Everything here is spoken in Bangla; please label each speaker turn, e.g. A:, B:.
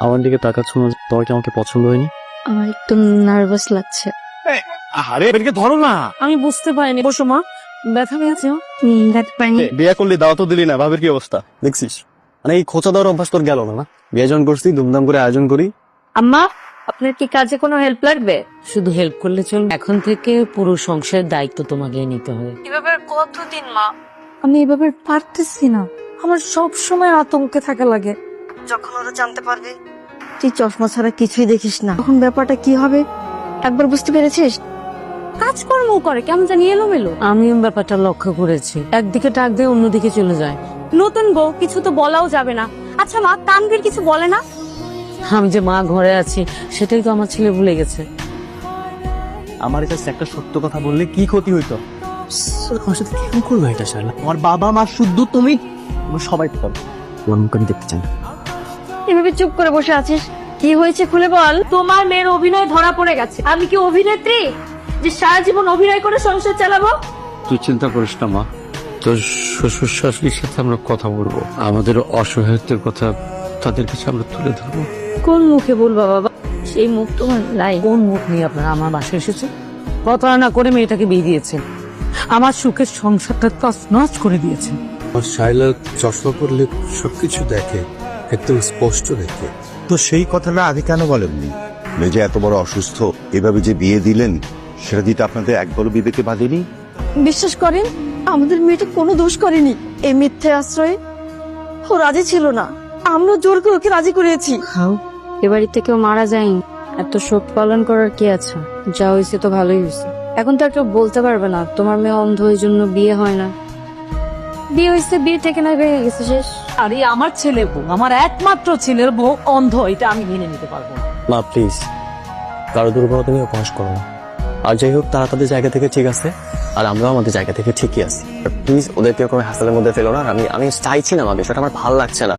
A: আমার দিকে তাকাচ্ছ না, তোমার কি আমাকে পছন্দ হয়নি?
B: আমার একটু নার্ভাস লাগছে।
A: আরে এদিকে ধরো না।
C: আমি বুঝতে পারিনি। বসো মা, ব্যথা পেয়েছে?
B: দেখতে পাইনি।
A: বিয়ে করলি, দাও তো দিলি না, ভাবের কি অবস্থা দেখছিস? মানে এই খোঁচা দেওয়ার অভ্যাস তোর গেল না? বিয়ে যখন করছি ধুমধাম করে আয়োজন করি।
B: আম্মা, আপনার কি কাজে কোনো হেল্প লাগবে?
C: শুধু হেল্প করলে চলবে? এখন থেকে পুরো সংসারের দায়িত্ব তোমাকে নিতে হবে।
B: এভাবে কতদিন মা? আমি এভাবে পারতেছি না। আমার সব সময় আতঙ্কে থাকা লাগে। যখন ওরা জানতে পারবে তুই চশমা ছাড়া কিছুই দেখিস না, তখন ব্যাপারটা কি হবে একবার বুঝতে পেরেছিস?
C: কাজকর্ম করে কেমন জানি এলোমেলো। আমিও ব্যাপারটা লক্ষ্য করেছি, একদিকে টাক দিয়ে অন্যদিকে চলে যায়।
D: নতুন বউ, কিছু তো বলাও যাবে না। আচ্ছা মা, তানভীর কিছু বলে না?
C: আমি যে মা ঘরে আছি সেটাই তো আমার ছেলে ভুলে গেছে।
A: আমার কাছে একটা সত্য কথা বললে কি ক্ষতি হইতো? আমার সাথে কেন করলো এটা শালা? আমার বাবা মা শুদ্ধ, তুমি আমরা সবাই তো পাবো। তোমার মুখ আমি দেখতে চাই না।
B: এভাবে চুপ করে বসে আছিস, কি হয়েছে খুলে বল।
D: তোমার মেয়ের অভিনয় ধরা পড়ে গেছে। আমি কি অভিনেত্রী যে সারা জীবন অভিনয় করে সংসার চালাবো?
E: তুই চিন্তা করিস না মা, তোর শ্বশুর শাশুড়ির সাথে আমরা কথা বলবো, আমাদের অসহায়ত্বের কথা তাদের কাছে আমরা তুলে ধরবো।
B: কোন মুখে বলবা বাবা? সেই মুখ তোমার নাই।
C: কোন মুখ নিয়ে আপনারা আমার বাসায় এসেছে? প্রতারণা করে মেয়েটাকে বিয়ে দিয়েছেন, আমার সুখের সংসারটা তছনছ করে দিয়েছেন।
E: আমার শাইলা চশমা পরলে সবকিছু দেখে, একদম স্পষ্ট দেখে।
F: তো সেই কথাটা আগে কেন বলেননি? মেয়ে যে এত বড় অসুস্থ, এভাবে যে বিয়ে দিলেন সেটা দিতে আপনাদের একবারও বিবেকে বাঁধেনি?
B: বিশ্বাস করেন, আমাদের মেয়েটা কোনো দোষ করেনি। এই মিথ্যে আশ্রয়ে ও রাজি ছিল না, আমরা জোর করে ওকে রাজি করেছি।
C: খাও।
B: এ বাড়িতে কেউ মারা যায়নি, এত শোক পালন করার কি আছে? যা হয়েছে তো ভালোই হয়েছে। এখন তো একটা বলতে পারবে না তোমার মেয়ে অন্ধ, ওই জন্য বিয়ে হয় না। বিয়ে হয়েছে, বিয়ে থেকে না হয়ে গেছে, শেষ।
C: আরে আমার ছেলে বউ, আমার একমাত্র ছেলের বউ অন্ধ, এটা আমি মেনে নিতে পারবো না।
A: মা প্লিজ, কারো দুর্বলতা নিয়ে উপহাস করো না। আর যাই হোক, তারা তাদের জায়গা থেকে ঠিক আছে, আর আমরাও আমাদের জায়গা থেকে ঠিকই আছি। প্লিজ ওদেরকে কোনো হাসালের মধ্যে ফেলো না। আমি চাইছি না মা, বিষয়টা আমার ভালো লাগছে না।